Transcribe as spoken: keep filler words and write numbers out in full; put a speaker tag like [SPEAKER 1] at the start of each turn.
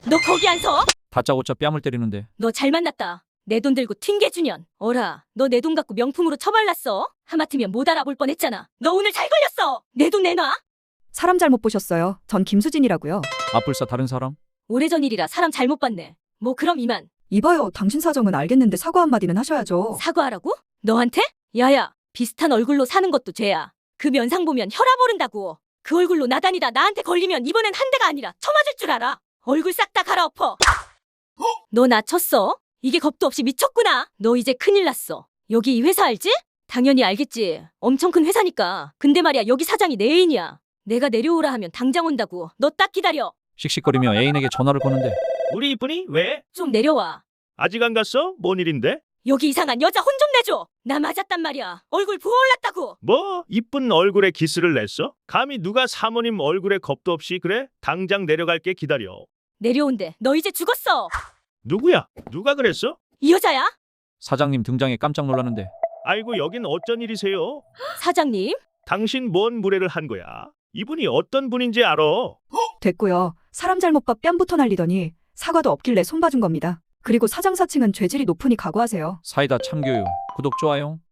[SPEAKER 1] 너 거기 안 서?
[SPEAKER 2] 다짜고짜 뺨을 때리는데.
[SPEAKER 1] 너 잘 만났다. 내 돈 들고 튕겨주년. 어라, 너 내 돈 갖고 명품으로 처발랐어? 하마터면 못 알아볼 뻔했잖아. 너 오늘 잘 걸렸어. 내 돈 내놔.
[SPEAKER 3] 사람 잘못 보셨어요. 전 김수진이라고요.
[SPEAKER 2] 앞불사 다른 사람?
[SPEAKER 1] 오래전 일이라 사람 잘못 봤네. 뭐 그럼 이만.
[SPEAKER 3] 이봐요. 당신 사정은 알겠는데 사과 한마디는 하셔야죠.
[SPEAKER 1] 사과하라고? 너한테? 야야, 비슷한 얼굴로 사는 것도 죄야. 그 면상 보면 혈압 오른다고. 그 얼굴로 나다니다 나한테 걸리면 이번엔 한 대가 아니라 쳐맞을 줄 알아. 얼굴 싹 다 갈아엎어. 너 나 쳤어? 이게 겁도 없이 미쳤구나. 너 이제 큰일 났어. 여기 이 회사 알지? 당연히 알겠지. 엄청 큰 회사니까. 근데 말이야, 여기 사장이 내 애인이야. 내가 내려오라 하면 당장 온다고. 너 딱 기다려.
[SPEAKER 2] 씩씩거리며 애인에게 전화를 거는데.
[SPEAKER 4] 우리 이쁜이 왜?
[SPEAKER 1] 좀 내려와.
[SPEAKER 4] 아직 안 갔어? 뭔 일인데?
[SPEAKER 1] 여기 이상한 여자 혼 좀 내줘. 나 맞았단 말이야. 얼굴 부어올랐다고.
[SPEAKER 4] 뭐 이쁜 얼굴에 기스를 냈어? 감히 누가 사모님 얼굴에 겁도 없이 그래? 당장 내려갈게 기다려.
[SPEAKER 1] 내려온대. 너 이제 죽었어.
[SPEAKER 4] 누구야? 누가 그랬어?
[SPEAKER 1] 이 여자야?
[SPEAKER 2] 사장님 등장에 깜짝 놀라는데.
[SPEAKER 4] 아이고 여긴 어쩐 일이세요?
[SPEAKER 1] 사장님?
[SPEAKER 4] 당신 뭔 무례를 한 거야? 이분이 어떤 분인지 알아?
[SPEAKER 3] 됐고요. 사람 잘못 봐 뺨부터 날리더니 사과도 없길래 손봐준 겁니다. 그리고 사장 사칭은 죄질이 높으니 각오하세요.
[SPEAKER 2] 사이다 참교육. 구독 좋아요.